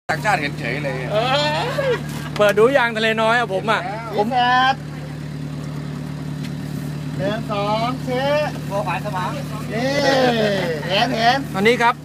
ต่างชาติเห็นเฉยเลยเปิดดูยางทะเลน้อยอะผมแปดเดินสองเช็คโบฝ่ายสมองนี่เห็นตอนนี้ครับ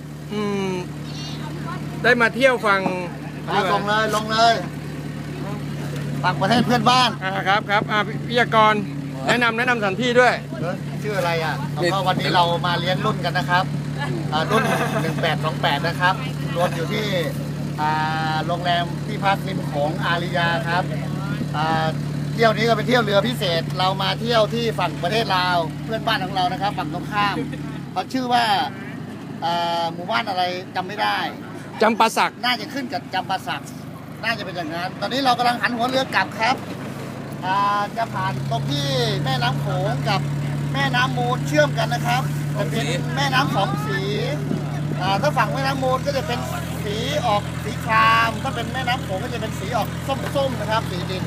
ได้มาเที่ยวฝั่งลงเลยต่างประเทศเพื่อนบ้านครับพิยากรแนะนำสถานที่ด้วยชื่ออะไรก็วันนี้เรามาเลี้ยงรุ่นกันนะครับรุ่น1828นะครับรวมอยู่ที่โรงแรมที่พักริมโขงอาริยาครับเที่ยวนี้ก็เป็นเที่ยวเรือพิเศษเรามาเที่ยวที่ฝั่งประเทศลาวเพื่อนบ้านของเรานะครับฝั่งตรงข้ามเขาชื่อว่าหมู่บ้านอะไรจำไม่ได้จำปาสักน่าจะขึ้นกับจำปาสักน่าจะเป็นอย่างนั้นตอนนี้เรากำลังหันหัวเรือกลับครับจะผ่านตรงที่แม่น้ำโขงกับแม่น้ำมูลเชื่อมกันนะครับเป็นแม่น้ำสองสีถ้าฝั่งแม่น้ำมูลก็จะเป็นสีออกสีครามถ้าเป็นแม่น้ำโขงก็จะเป็นสีออกส้มๆนะครับสีดิน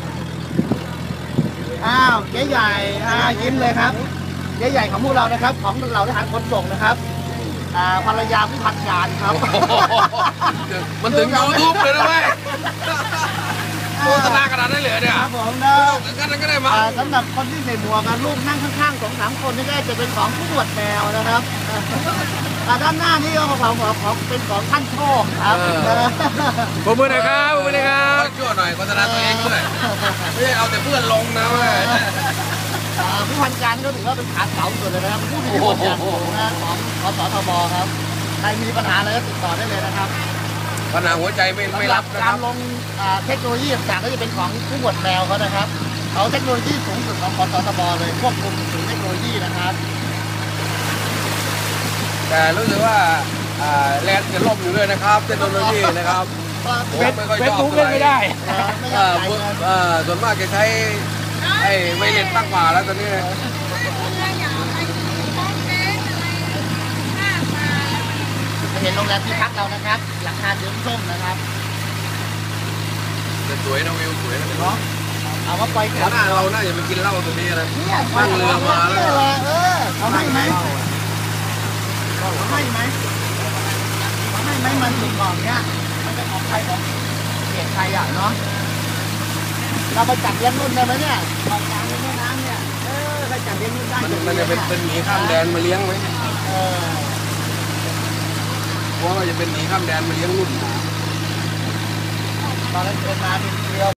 เจ๊ใหญ่ยิ้มเลยครับเจ๊ใหญ่ของพวกเรานะครับของเราทหารขนส่งนะครับภรรยาผู้พันการครับมันถึงยูทูบเลยนะเว้ยโฆษณาขนาดนั้นเลยเนี่ยครับผมนะงั้นก็ได้มาสำหรับคนที่ใส่หมวกลูกนั่งข้างๆ2-3 คนนี่ก็จะเป็นของผู้ตรวจแมวนะครับด้านหน้านี่ก็ของเป็นของท่านโชคครับขอบคุณนะครับช่วยหน่อยโฆษณาตัวเองด้วยไม่ใช่เอาแต่เพื่อนลงนะเว้ยผู้พันการก็ถือว่าเป็นขาเสาสุดเลยนะครับผู้มีบทบาทของสทบครับใครมีปัญหาอะไรก็ติดต่อได้เลยนะครับปัญหาหัวใจไม่รับนะครับการลงเทคโนโลยีต่างๆก็จะเป็นของผู้ตรวจแมวเขานะครับเขาเทคโนโลยีสูงสุดของสทบเลยควบคุมถึงเทคโนโลยีนะครับแต่รู้สึกว่าแลนด์จะล่มอยู่ด้วยนะครับเทคโนโลยีนะครับเฟซบุ๊กเล่นไม่ได้ส่วนมากจะใช้ไอ้ไวเลสตั้งกว่าแล้วตอนนี้เห็นโรงแรมที่พักเรานะครับหลังคาสีส้มนะครับสวยนะวิวสวยนะเนาะเอาว่าไปหน้าเราน่าจะไปกินเหล้าตรงนี้นะนั่งเรือมาแล้วเขาให้ไหมมันถึงก่อนเนี้ยมันจะออกใครของเกียรติใครเนาะเราไปจับเลี้ยงรุ่นได้ไหมเนี่ยออกกลางแม่น้ำเนี่ยไปจับเลี้ยงรุ่นได้มันจะเป็นหมีข้ามแดนมาเลี้ยงไหมเพราะว่าจะเป็นหมีข้ามแดนมาเลี้ยงรุ่นตอนนั้นเดินมา